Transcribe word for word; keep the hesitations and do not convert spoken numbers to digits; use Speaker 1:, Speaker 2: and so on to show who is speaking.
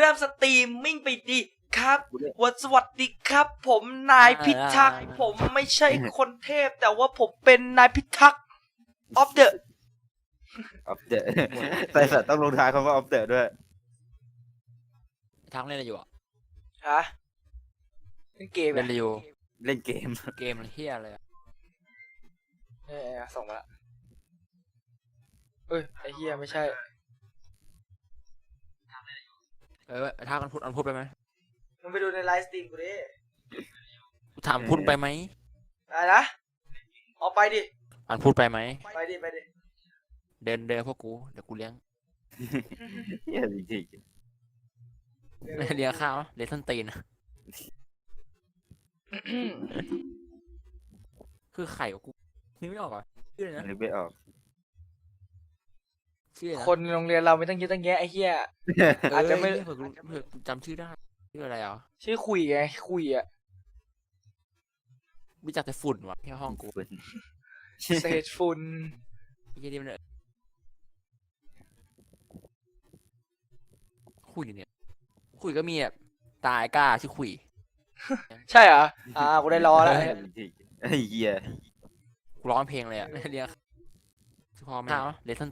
Speaker 1: ริ่มสตรีมมิ่งไปดีครับวันสวัสดีครับ ผมนายพิทักษ์ผมไม่ใช่คนเทพ แต่ว่าผมเป็นนายพิทักษ์ออฟเดอะ
Speaker 2: ออฟเดอะใส่สัตว์ต้องลงท้ายคำว่าออฟเดอะด้วย
Speaker 3: ทางเล่นอะไรอยู่อ่ะ
Speaker 1: ฮะเล่นเกม
Speaker 3: เล่
Speaker 1: อะ
Speaker 3: นอะไรอยู่
Speaker 2: เล่นเกม
Speaker 3: เกมอะไรเฮียอะไรอ่ะ
Speaker 1: เออส่งมาละเอ้ยไอเฮียไม่ใช่
Speaker 3: เออถ้ากันพูดอันพูดไปไหม
Speaker 1: มึงไปดูในไลฟ์สตรีมกูดิ
Speaker 3: กูถามพูดไปไหม
Speaker 1: อะไรนะเอาไปดิ
Speaker 3: อันพูดไปไหม
Speaker 1: ไปดิไปดิ
Speaker 3: เดินเดินพวกกูเดี๋ยวกูเลี้ยง
Speaker 2: เหี้ยจริง
Speaker 3: เลี้ยงข้าวเลี้ยงส้นตีนคือไข่ของกูนึกไม่ออกอ่ะชื่ออะไร
Speaker 2: ๆ
Speaker 3: นะ
Speaker 2: นึกไม่ออก
Speaker 3: ชื่ออะไรนะ
Speaker 1: คนโรงเรียนเราไม่ต้องเยอะตั้งแยะไอเฮีย อาจจะไม่
Speaker 3: เเผื่อกูเผื่อกูจำชื่อได้ชื่ออะไรอ่ะ
Speaker 1: ชื่อคุยไงคุยอะ
Speaker 3: รู้จักแต่ฝุ่นวะที่ห้องกู
Speaker 1: เศษฝุ่น
Speaker 3: ไอ้เหี้ยนี่มันคุยเนี่ยคุยก็มีแบบตายกล้าชื่อคุย
Speaker 1: ใช่เหรออ่ากูได้รอแล้ว
Speaker 2: จริงๆไอ้เหี้ย
Speaker 3: กูร้องเพลงเลยอ่ะเรียกพอไหมครับเลสัน